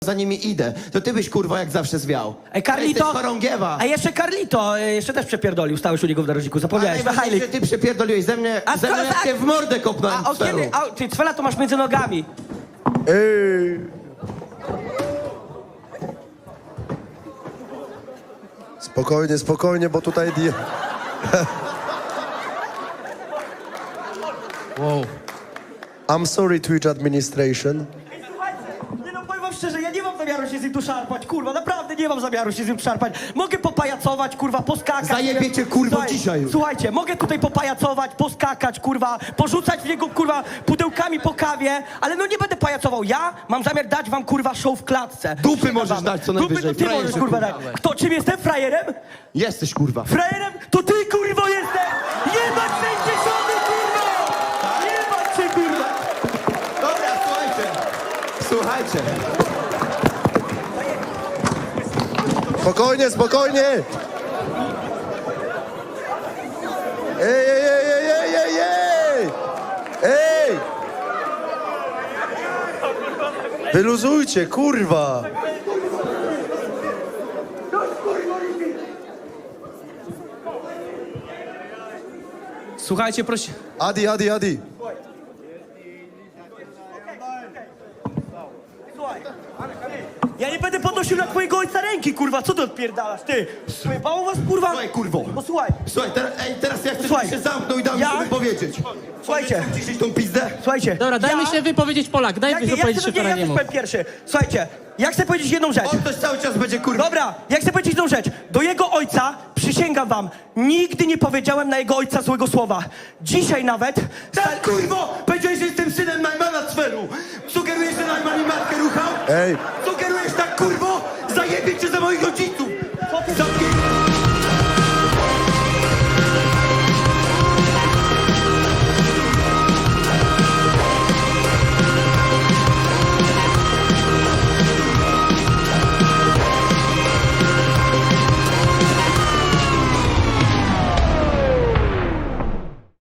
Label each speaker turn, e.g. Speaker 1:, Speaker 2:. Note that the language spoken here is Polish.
Speaker 1: za nimi idę, to ty byś kurwa jak zawsze zwiał.
Speaker 2: Ej, Carlito!
Speaker 1: Jesteś chorągiewa.
Speaker 2: A jeszcze Carlito, jeszcze też przepierdolił, stałeś u niego w narożniku, zapomniałeś.
Speaker 1: Najważniejsze, ty przepierdoliłeś ze mnie jak cię w mordę kopnąłem.
Speaker 2: A od kiedy? Ty cwela to masz między nogami.
Speaker 3: Ej. Spokojnie, spokojnie, bo tutaj...
Speaker 4: Wow.
Speaker 3: I'm sorry, Twitch administration.
Speaker 2: Ej, słuchajcie, nie no, powiem wam szczerze, ja nie mam zamiaru się z nim tu szarpać, kurwa, naprawdę nie mam zamiaru się z nim szarpać. Mogę popajacować, kurwa, poskakać.
Speaker 1: Zajebie cię, kurwa,
Speaker 2: Słuchaj,
Speaker 1: dzisiaj już.
Speaker 2: Słuchajcie, mogę tutaj popajacować, poskakać, kurwa, porzucać w niego, kurwa, pudełkami po kawie, ale no nie będę pajacował. Ja mam zamiar dać wam, kurwa, show w klatce.
Speaker 1: Dupy możesz dać co najwyżej.
Speaker 2: Dupy to ty
Speaker 1: Frajerze,
Speaker 2: możesz, kurwa, dać.
Speaker 1: kurwa.
Speaker 2: Kto, czym jestem? Frajerem?
Speaker 1: Jesteś kurwa.
Speaker 2: Frajerem? To ty, kurwo, jesteś! Jebać 60, kurwa! Jebać cię, kurwa!
Speaker 1: Dobra, słuchajcie.
Speaker 3: Spokojnie, spokojnie! Ej, ej, ej, ej, ej, ej, ej! Ej! Wyluzujcie, kurwa!
Speaker 4: Słuchajcie, proszę.
Speaker 3: Adi, Adi, Adi.
Speaker 2: Słuchaj, ja nie będę podnosił na twojego ojca ręki, kurwa, co ty odpierdalasz, ty? Pojebało was, kurwa?
Speaker 1: Słuchaj, kurwo.
Speaker 2: Posłuchaj,
Speaker 1: Słuchaj, teraz ja chcę,
Speaker 2: Słuchaj.
Speaker 1: żebyś się zamknął i dał mi
Speaker 2: Ja-
Speaker 1: sobie powiedzieć.
Speaker 2: słuchajcie,
Speaker 1: Ciszyć tą pizdę?
Speaker 2: słuchajcie.
Speaker 4: Dobra, dajmy się wypowiedzieć Polak, dajmy się wypowiedzieć się
Speaker 2: ja
Speaker 4: Ferrariemu.
Speaker 2: powiem pierwszy. Słuchajcie, ja chcę powiedzieć jedną rzecz.
Speaker 1: On też cały czas będzie kurwa.
Speaker 2: Dobra, ja chcę powiedzieć jedną rzecz. Do jego ojca, przysięgam wam, nigdy nie powiedziałem na jego ojca złego słowa. Dzisiaj nawet...
Speaker 1: Tak, kurwo! Powiedziałeś, że jestem synem Najmana Cweru. Sugerujesz, że Najman i matkę ruchał?
Speaker 3: Ej,
Speaker 1: Sugerujesz tak, kurwo? Zajebie cię za moich rodziców!
Speaker 2: Co ty-
Speaker 1: Zamknij